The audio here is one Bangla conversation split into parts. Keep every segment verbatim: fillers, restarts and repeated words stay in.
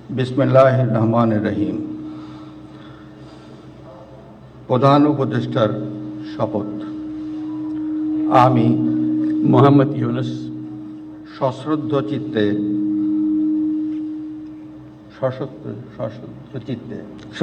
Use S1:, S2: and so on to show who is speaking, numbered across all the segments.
S1: বিসমিল্লাহির রহমানির রহিম। প্রধান উপদেষ্টার শপথ। আমি
S2: মোহাম্মদ ইউনুস
S1: সশ্রদ্ধ চিত্তে সশস্ত্র সশ্রদ্ধ চিত্তে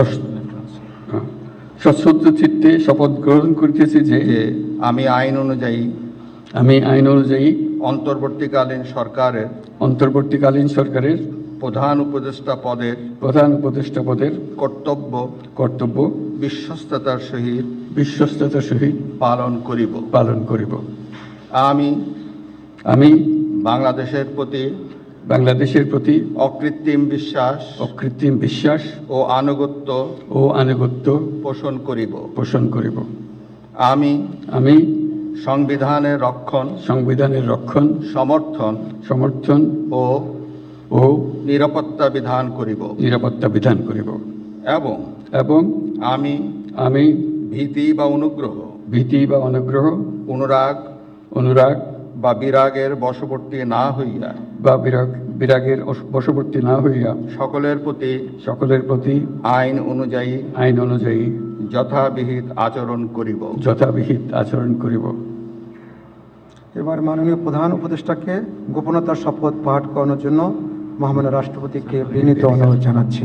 S2: সশ্রদ্ধ চিত্তে শপথ গ্রহণ করিতেছি যে
S1: যে আমি আইন অনুযায়ী
S2: আমি আইন অনুযায়ী
S1: অন্তর্বর্তীকালীন সরকারের
S2: অন্তর্বর্তীকালীন সরকারের
S1: প্রধান উপদেষ্টা পদের
S2: প্রধান উপদেষ্টা পদের
S1: কর্তব্য
S2: কর্তব্য
S1: বিশ্বস্ততার সহিত
S2: বিশ্বস্ততার সহিত
S1: পালন করিব
S2: পালন করিব।
S1: আমি
S2: আমি
S1: বাংলাদেশের প্রতি
S2: বাংলাদেশের প্রতি
S1: অকৃত্রিম বিশ্বাস
S2: অকৃত্রিম বিশ্বাস
S1: ও আনুগত্য
S2: ও আনুগত্য
S1: পোষণ করিব
S2: পোষণ করিব।
S1: আমি
S2: আমি
S1: সংবিধানের রক্ষণ
S2: সংবিধানের রক্ষণ
S1: সমর্থন
S2: সমর্থন
S1: ও
S2: ও
S1: নিরাপত্তা বিধান করিব
S2: নিরাপত্তা বিধান করিব
S1: এবং
S2: এবং
S1: আমি
S2: আমি
S1: ভীতি বা অনুগ্রহ
S2: ভীতি বা অনুগ্রহ
S1: অনুরাগ
S2: অনুরাগ
S1: বা বিরাগের বশবর্তী না হইয়া
S2: বা বিরাগ বিরাগের অস- বশবর্তী না হইয়া
S1: সকলের প্রতি
S2: সকলের প্রতি
S1: আইন অনুযায়ী
S2: আইন অনুযায়ী
S1: যথাবিহিত আচরণ করিব।
S2: যথাবিহিত আচরণ করিব।
S3: এবার মাননীয় প্রধান উপদেষ্টাকে গোপনতার শপথ পাঠ করানোর জন্য মহামান্য রাষ্ট্রপতিকে বিনীত অনুরোধ জানাচ্ছি।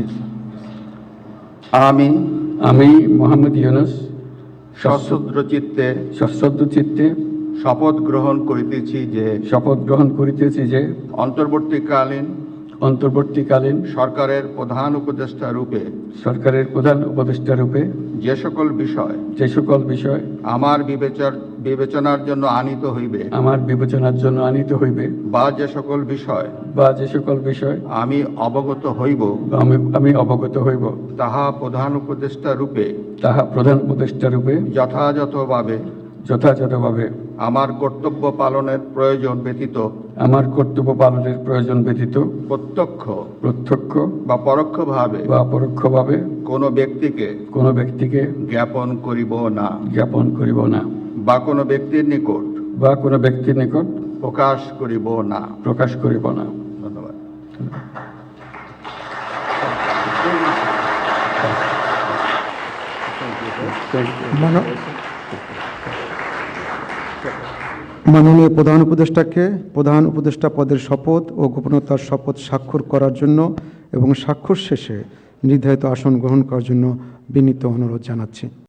S1: আমি
S2: আমি মোহাম্মদ ইউনুস
S1: সশ্রদ্ধ চিত্তে
S2: সশ্রদ্ধ চিত্তে
S1: শপথ গ্রহণ করিতেছি যে
S2: শপথ গ্রহণ করিতেছি যে
S1: অন্তর্বর্তীকালীন
S2: অন্তর্বর্তীকালীন
S1: সরকারের প্রধান উপদেষ্টা রূপে
S2: সরকারের প্রধান উপদেষ্টা রূপে
S1: যে সকল বিষয়
S2: যে সকল বিষয়
S1: আমার বিবেচর বিবেচনার জন্য আনিত হইবে
S2: আমার বিবেচনার জন্য আনিত হইবে
S1: বা যে সকল বিষয়
S2: বা যে সকল বিষয়
S1: আমি অবগত হইব
S2: বা আমি আমি অবগত হইব
S1: তাহা প্রধান উপদেষ্টা রূপে
S2: তাহা প্রধান উপদেষ্টা রূপে
S1: যথাযথভাবে
S2: যথাযথভাবে
S1: আমার কর্তব্য পালনের প্রয়োজন ব্যতীত
S2: আমার কর্তব্য পালনের প্রয়োজন ব্যতীত
S1: প্রত্যক্ষ
S2: প্রত্যক্ষ
S1: বা পরোক্ষভাবে
S2: বা পরোক্ষভাবে
S1: কোনো ব্যক্তিকে
S2: কোনো ব্যক্তিকে
S1: জ্ঞাপন করিব না
S2: জ্ঞাপন করিব না
S1: বা কোনো ব্যক্তির নিকট
S2: বা কোনো ব্যক্তির নিকট
S1: প্রকাশ করিব না।
S2: প্রকাশ করিব না।
S1: ধন্যবাদ।
S3: মানো- মাননীয় প্রধান উপদেষ্টাকে প্রধান উপদেষ্টা পদের শপথ ও গোপনতার শপথ স্বাক্ষর করার জন্য এবং স্বাক্ষর শেষে নির্ধারিত আসন গ্রহণ করার জন্য বিনীত অনুরোধ জানাচ্ছি।